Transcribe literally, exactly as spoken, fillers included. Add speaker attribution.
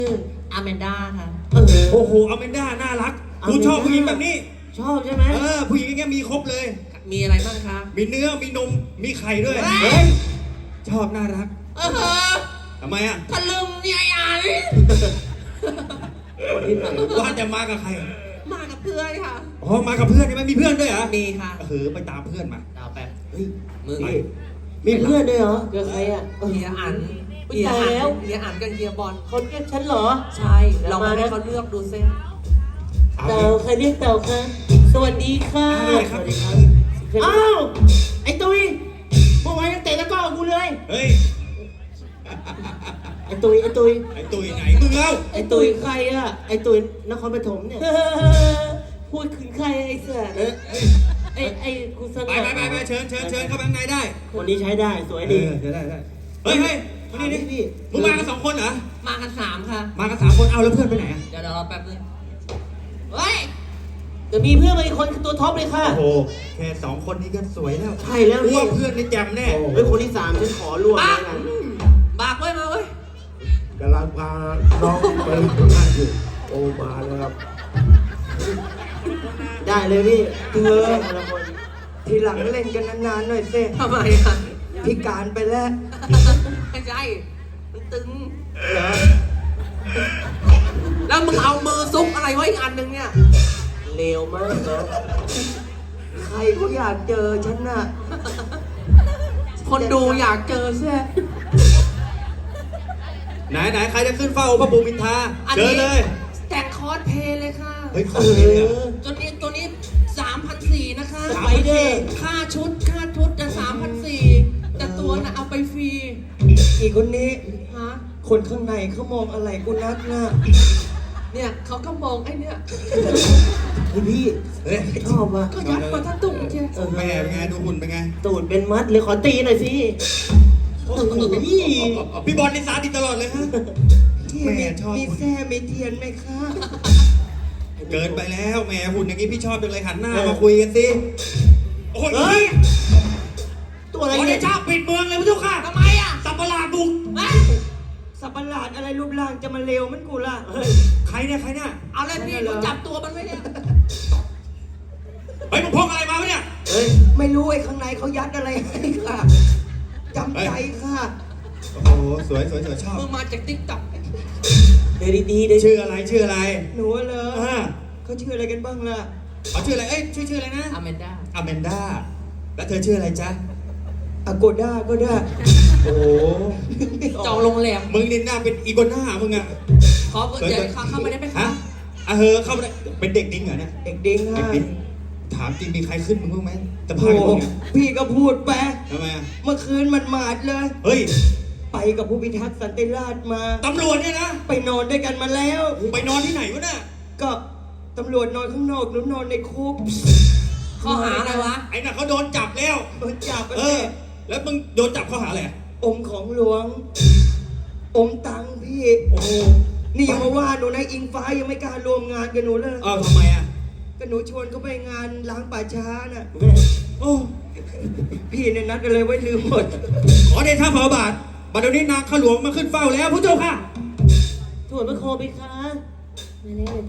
Speaker 1: อแมนด้าค่ะ
Speaker 2: เออ
Speaker 3: โอ้โหอแมนด้าน่ารักกูชอบผู้หญิงแบบนี้
Speaker 2: ชอบใช่ไหม
Speaker 3: เออผู้หญิงอย่างเงี้ยมีครบเลย
Speaker 1: มีอะไรบ้างคะ
Speaker 3: มีเนื้อมีนมมีไข่ด้วย
Speaker 1: เฮ้ย
Speaker 3: ชอบน่ารัก
Speaker 1: เออ
Speaker 3: ทำไมอ่ะ
Speaker 1: ทะลึงเนี่ยไอ้อัน
Speaker 2: คนที่ไหน
Speaker 3: ว่าจะมากับใคร
Speaker 1: มากับเพื่อนค่ะ
Speaker 3: อ๋อมากับเพื่อนใช่ไหมมีเพื่อนด้วยเหรอ
Speaker 1: มีค่ะ
Speaker 3: เออไปตามเพื่อนมา
Speaker 1: ดาวแป๊บ
Speaker 2: เฮ้ย
Speaker 1: มือ
Speaker 2: นี่มีเพื่อนด้วยเหรอเจอใครอ่ะ
Speaker 1: เฮียอัน
Speaker 2: อุ๊ย
Speaker 1: เฮีย
Speaker 2: ตาย
Speaker 1: อัน
Speaker 2: แล้ว
Speaker 1: เฮียอันกับเฮียบอล
Speaker 2: เขาเรียกฉันเหรอ
Speaker 1: ใช่ เรามาให้เขาเลือกดูซิ
Speaker 3: เอา
Speaker 2: เต่าใครเรียกเต่าคะสวัสดีค่ะ
Speaker 3: ได้ครับ
Speaker 2: อ้าวไอ้ตุ้ยเมื่อวานยังเตะตะกร้อกูเลย
Speaker 3: เฮ้ย
Speaker 2: ไอ้ตุ้ยไอ้ตุ้ย
Speaker 3: ไอ้ตุยไหนมึงเล่า
Speaker 2: ไอ้ตุ้ยใครอ่ะไอ้ตุ้ยนครปฐมเนี่ยพูดถึงใครไอ้เสือ
Speaker 3: เอ้ยเอ้ย
Speaker 2: ไอ้ไอ้กูส
Speaker 3: ไป
Speaker 2: ง่า
Speaker 3: ไปไปไปเชิญเชิญเชิญเข้าไปข้างในได้
Speaker 2: คนนี้ใช้ได้สวย
Speaker 3: เอ
Speaker 2: ดี
Speaker 3: อเดี๋ยวได้ได้เฮ้ยเฮ้ยมานี่ดิ
Speaker 2: พี่
Speaker 3: มึงมากันสองคนเหรอ
Speaker 1: มากันสามค่ะ
Speaker 3: มากันสามคนเอาแล้วเพื่อนไปไหนอ่ะ
Speaker 1: เดี๋ยวเดี๋ยวรอแป๊บนึงเฮ้ย
Speaker 2: เดี๋ยวมีเพื่อนมาอีกคนคือตัวท็อปเลยค่ะ
Speaker 3: โอ้โหแค่สองคนนี้ก็สวยแล้ว
Speaker 2: ใช่แล้ว
Speaker 3: กู
Speaker 2: พี่
Speaker 3: ว่าเพื่อนนี่แจ่มแน่
Speaker 2: เฮ้ยคนที่สามฉันขอร่วม
Speaker 1: บั
Speaker 2: เลย
Speaker 1: ก
Speaker 2: นะ
Speaker 1: บักไว้มาเว้ย
Speaker 4: กำลังพาน้องไปฝึกงานอยู่โอมาแล้วครับ
Speaker 2: ได้เลยพี่
Speaker 4: เธอ
Speaker 2: คนละคน
Speaker 4: ทีหลังเล่นกันนานๆหน่อยเซ่
Speaker 1: ทำไมอ่ะ
Speaker 4: พิการไปแล้ว
Speaker 1: ไม่ใช่มันตึง
Speaker 2: เหรอ
Speaker 1: แล้วมึงเอามือซุกอะไรไว้อีกอันหนึงเนี่ย
Speaker 2: เลวมากนะ
Speaker 4: ใครก็อยากเจอฉันน่ะ
Speaker 1: คนดูอยากเจอใช่ไหม
Speaker 3: ไหนไหนใครจะขึ้นเฝ้าพระปูมินทรา
Speaker 1: อัน
Speaker 3: เชิญ
Speaker 1: นี้
Speaker 3: เลย
Speaker 1: แต่งคอสเพลย์เลยค่ะ
Speaker 3: เฮ้ยขอบคุณเลยอะ
Speaker 1: ตัวนี้ตัวนี้สามพันสี่นะคะ
Speaker 3: สาม
Speaker 2: ไปเด้อ
Speaker 1: ค่าชุดค่าชุดจะสามพันสี่แต่ตัวน่ะเอาไปฟรี
Speaker 4: อีกคนนี้
Speaker 1: ฮะ
Speaker 4: คนข้างในเขามองอะไรกูนักหน้า
Speaker 1: เนี่ยเขาก็มองไอ้เนี่ย
Speaker 2: เฮ้ยพี่
Speaker 3: เฮ้ย
Speaker 2: ชอบว่ะ
Speaker 1: ก็ยัดมาทั้งตุ่มใช่
Speaker 2: เออ
Speaker 3: แม่เป็นไงดูหุ่นเป็นไง
Speaker 2: ตูดเป็นมัดเลยขอตีหน่อยสิโอ้โห
Speaker 3: พี่บอลนี่สาดิตลอดเลยฮะ แม่ชอบ
Speaker 4: มีแซ่มีเทียนไหมคะ
Speaker 3: เกินไปแล้วแหมหุ่นอย่างนี้พี่ชอบจังเลยหันหน้ามาคุยกันสิโอ้ย
Speaker 2: เฮ้ย ตัวอะไร
Speaker 3: ขอ
Speaker 2: เนี่
Speaker 3: เด
Speaker 2: ย
Speaker 3: ชะปิดเมืองเลยพระเจ้าค่ะ
Speaker 1: ทำไมอ่ะ
Speaker 3: สับประหลาดบุก
Speaker 1: เอ้ย
Speaker 4: สับประหลาดอะไรรูปร่างจะมาเลวมันกูล่ะ
Speaker 2: เฮ้ย
Speaker 3: ใครเนี่ยใครเนี่ย
Speaker 1: เอาเลยพี่หนูจับตัวมันไว้เนี่ย
Speaker 3: เฮ้ยมึงพกอะไรมาวะเนี่ย
Speaker 2: เฮ้ย
Speaker 4: ไม่รู้ไอ้ข้างในเขายัดอะไรให้ค่ะจำใจค่ะ
Speaker 3: โอ้โหสวยสวยสวยชอบ
Speaker 1: มึงมาจากติ๊กต็อก
Speaker 2: เดี๋ยวดีๆเดี๋ยว
Speaker 3: ชื่ออะไรชื่ออะไร
Speaker 4: หนูเหรอ
Speaker 3: อ่า
Speaker 4: เขาชื่ออะไรกันบ้างล่ะ
Speaker 3: เขาชื่ออะไรเอ้ยชื่อชื่ออะไรนะ
Speaker 1: อแมนด้า
Speaker 3: อแมนด้าแล้วเธอชื่ออะไรจ๊ะ
Speaker 4: อโกด้าก็ได้
Speaker 3: โอ้โห
Speaker 1: จองโรงแรม
Speaker 3: มึงนี่หน้าเป็นอีโกน่ามึงอะ
Speaker 1: ขอเดี๋ยวเข้ามาได้ไหม
Speaker 3: ฮะ
Speaker 1: คะ
Speaker 3: อ่ะเฮอเข้ามาได้เป็นเด็กดิ้งเหรอเนี่ย
Speaker 4: เด็กดิ้ง
Speaker 3: เด็ก
Speaker 4: ค่ะ
Speaker 3: ดิ้งถามจริงมีใครขึ้นมึงบ้างไหมจะพา
Speaker 4: โอ้
Speaker 3: ไป
Speaker 4: โห
Speaker 3: มึงเนี่ย
Speaker 4: พี่ก็พูดไป
Speaker 3: ทำไมอะ
Speaker 4: เมื่อคืนมันหมาดเลย
Speaker 3: เฮ้ย
Speaker 4: ไปกับผู้พิทักษ์สันติราษฎร์มา
Speaker 3: ตำรวจเนี่ยนะ
Speaker 4: ไปนอนด้วยกันมาแล้ว
Speaker 3: ไปนอนที่ไหนวะน่ะ
Speaker 4: ก็ตำรวจนอนข้างนอกหนูนอนในคุก
Speaker 1: ข้อหาอะไรวะ
Speaker 3: ไอ้น่ะเขาโดนจับแล้ว
Speaker 4: โดนจับไป
Speaker 3: เออ แล้วมึงโดนจับข้อหาอะไรอะ
Speaker 4: อมของหลวง อมตังค์พี่
Speaker 3: โอ้โห
Speaker 4: นี่อย่ามาว่าหนูนะอิงฟ้ายังไม่กล้ารวมงานกับหนูเลย
Speaker 3: เอ้าทำไมอะ
Speaker 4: ก็หนูชวนเขาไปงานล้างป่าช้าน่ะ
Speaker 3: โอ้
Speaker 4: พี่เนี่ยนัดอะไรไว้ลืมหมด
Speaker 3: ขอเดชะพระบาทบัดเดี๋ยวนี้นางข้าหลวงมาขึ้นเฝ้าแล้วพระเจ้าค่ะ
Speaker 2: ถวดพระโคไปคะมาแล้ว